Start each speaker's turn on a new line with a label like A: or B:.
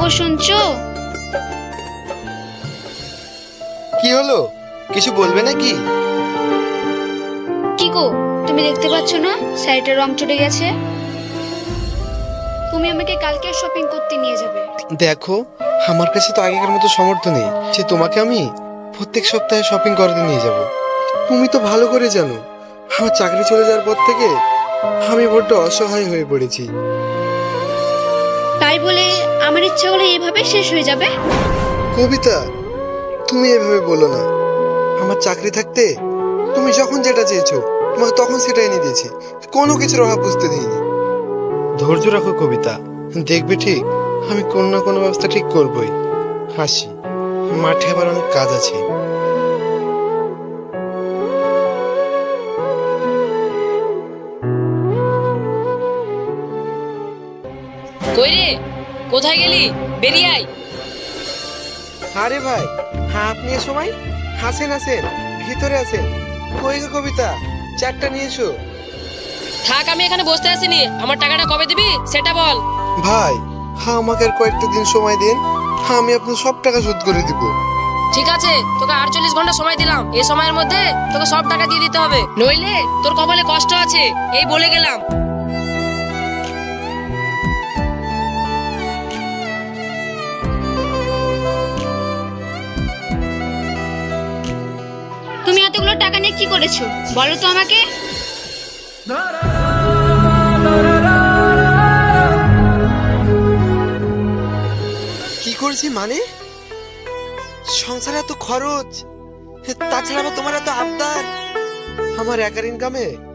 A: শুনছো?
B: কি হলো, কিছু বলবে নাকি?
A: কি গো, তুমি দেখতে পাচ্ছ না শাড়িটার রং চটে গেছে? তুমি আমাকে কালকে শপিং করতে নিয়ে যাবে।
B: দেখো, আমার কাছে তো আগেকার মতো সামর্থ্য নেই যে তোমাকে আমি প্রত্যেক সপ্তাহে শপিং করতে নিয়ে যাব। তুমি তো ভালো করে জানো, আমার চাকরি চলে যাওয়ার পর থেকে আমি বড্ড অসহায় হয়ে পড়েছি।
A: তাই বলে আমার ইচ্ছাগুলো এভাবে শেষ হয়ে যাবে?
B: কবিতা, তুমি এভাবে বলো না। আমার চাকরি থাকতে তুমি যখন যেটা চেয়েছো তোমাকে তখন সেটা এনে দিয়েছি, কোনো কিছুর অভাব বুঝতে দিইনি। ধৈর্য রাখো কবিতা, দেখবে ঠিক আমি কোনো না কোনো ব্যবস্থা ঠিক করবই। হাসি, মাঠে আবার অনেক কাজ আছে।
C: কই রে, কোথায় গেলি? বেরিয়ে আয়।
B: আরে ভাই, হ্যাঁ আপনি এ সময় হাসেন আসেন, ভিতরে আছেন। কই গো কবিতা, চারটা নিয়ে এসো।
C: থাক, আমি এখানে বসতে আসিনি। আমার টাকাটা কবে দিবি সেটা বল।
B: ভাই, হ্যাঁ আমাকে আর কয়েকটা দিন সময় দিন, হ্যাঁ আমি আপনার সব টাকা শোধ করে দিব।
C: ঠিক আছে, তোকে 48 ঘন্টা সময় দিলাম। এই সময়ের মধ্যে তোকে সব টাকা দিয়ে দিতে হবে, নইলে তোর কপালে কষ্ট আছে, এই বলে গেলাম।
A: তুমি এতগুলো টাকা নিয়ে কি করেছো বলো তো আমাকে?
B: কি করছি মানে? সংসারে এত খরচ, তাছাড়া আবার তোমার এত আবদার। আমার একার ইনকামে